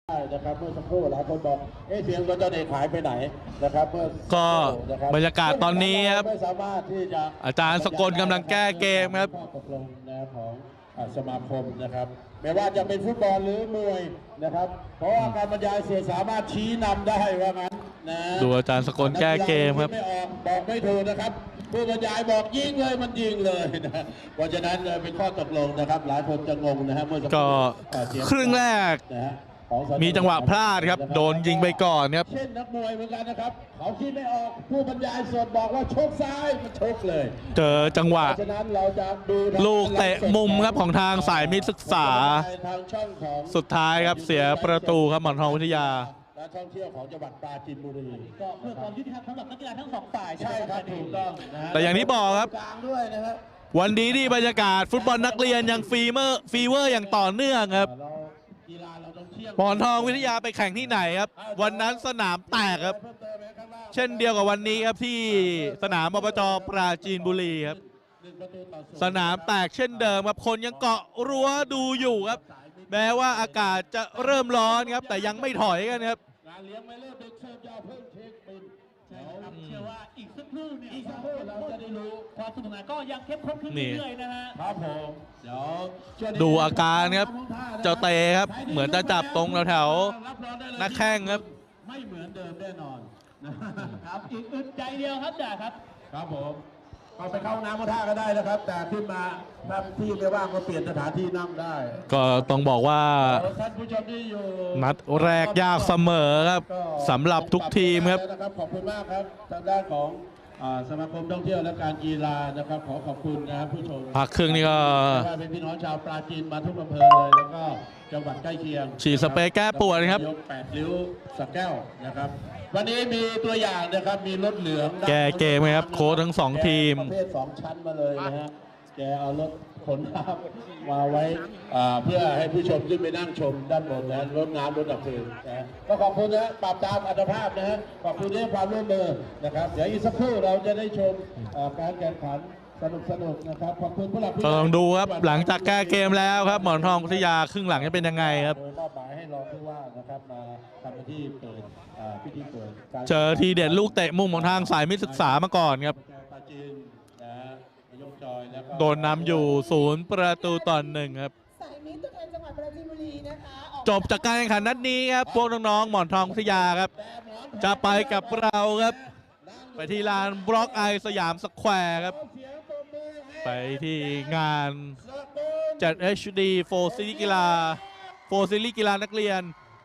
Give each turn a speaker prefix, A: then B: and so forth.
A: นะครับเมื่อสักครู่หลายคนบอกเสียงรถเจ้าเอกหายไปไหนนะครับเมื่อ
B: ก็บรรยากาศตอนนี้ครับ
A: ไม่สามารถที่จะ
B: อาจารย์สกลกำลังแก้เกมครับ
A: ตกลงนะของสมาคมนะครับไม่ว่าจะเป็นฟุตบอลหรือมวยนะครับเพราะว่าการบรรยายเสียสามารถชี้นำได้ว่างั้นนะ
B: ดูอาจารย์สกลแก้เกมครับ
A: ไม่ออกบอกไม่ถูกนะครับผู้บรรยายบอกยิงเลยมันยิงเลยนะเพราะฉะนั้นเป็นข้อตกลงนะครับหลายคนจะงงนะฮะเมื่อสักค
B: ก็
A: รู่
B: ครึ่งแรกมีจังหวะพลาดครับโดนยิงไปก่อนครับ
A: เช่นนักมวยเหมือนกันนะครับเขาคิดไม่ออกผู้บรรยายสดบอกว่าชกซ้ายมันชกเลย
B: เจอจังหวะ
A: ฉะนั้นเราจะดู
B: ลูกเตะมุมครับของทางสายมิตรศึกษาสุดท้ายครับเสียประตูครับหมอนทองวิทยา
A: และท่องเที่ยวของจังหวัดปราจีนบุรี
C: ก็เพื่อความยุติธรรมสำหรับนักกีฬาทั้งสองฝ่าย
A: ใช่ครับถูกต้องนะ
B: แต่อย่างที่บอกครับ
A: กลางด้วยนะครับ
B: วันนี้ที่บรรยากาศฟุตบอลนักเรียนยังฟีเวอร์อย่างต่อเนื่องครับหมอนทองวิทยาไปแข่งที่ไหนครับวันนั้นสนามแตกครับเช่นเดียวกับวันนี้ครับที่สนามอบจปราจีนบุรีครับสนามแตกเช่นเดิมครับคนยังเกาะรั้วดูอยู่ครับแม้ว่าอากาศจะเริ่มร้อนครับแต่ยังไม่ถอยกันครับ
A: การเลี้ยงไม่เลิกเด็กเสิร์ฟยาวเพิ่งเช็คบิน
C: เชื่อว่าอีกสักครู่เนี่ยเราจะได้รู้ความสนุกสนานก็ยังเข้มข้นขึ้นเรื่อยๆนะฮะ
A: ครับผมเดี๋ยว
B: ดูอาการครับเจ้าเตครับเหมือนจะจับตรงแถวๆนักแข้งครับ
A: ไม่เหมือนเดิมแน่นอน
C: ครับอีกอึดใจเดียวครับจ่าครับ
A: ครับผมก็ไปเข้าน้ำมาท่าก็ได้นะครับแต่ขึ้นมาถ้าที่ไม่ว่างก็เปลี่ยนสถานที่นั่งได้
B: ก็ต้องบอกว่า
A: ท่านผู้ชมที่อยู่
B: นัดแรกยากเสมอครับสำหรับทุกทีมครับ
A: ขอบคุณมากครับทางด้านของสมาคมท่องเที่ยวและการกีฬานะครับขอบคุณนะครับผู้ชม
B: พักครึ่งนี่ก็
A: เป็นพี่น้องชาวปราจีนมาทุกอำเภอเลยแล้วก็จังหวัดใกล้เคียง
B: ฉีดสเปรย์แก้ปวดครับ
A: ยก8ริ้วสักแก้วนะครับวันนี้มีตัวอย่างนะครับมีรถเหลือง
B: แกเกมครับโค้ชทั้ง2ทีม
A: ประเภท2ชั้นมาเลยนะฮะแกเอารถขนน้ำมาไว้เพื่อให้ผู้ชมขึ้นไปนั่งชมด้านบนนะรถน้ำรถดับเพลิงนะก็ขอบคุณนะปรับตามอัตภาพนะฮะขอบคุณที่ให้ความร่วมมือนะครับเดี๋ยวอีกสักครู่เราจะได้ชมการแข่งขันสนุกนะครับขอบคุณผู้หลักผู้ใหญ่
B: ลองดูครับหลังจากแก้เกมแล้วครับหมอนทองวิทยาครึ่งหลังจะเป็นยังไงครับ
A: มอบหมายให้รองผู้ว่านะครับมาทำหน้าที่เปิดพิธีเปิด
B: เจอทีเด็ดลูกเตะมุมของทางสายมิตรศึกษามาก่อนครับโดนนำอยู่0-1ครับ
D: สายมิตรตัวแทนจังหวัดปราจีนบุรีนะคะ
B: จบจากการแข่งขันนัดนี้ครับพวกน้องๆหมอนทองวิทยาครับจะไปกับเราครับไปที่ลานบล็อกไอสยามสแควร์ครับไปที่งานจัด HD 4 ซีรีส์กีฬานักเรียน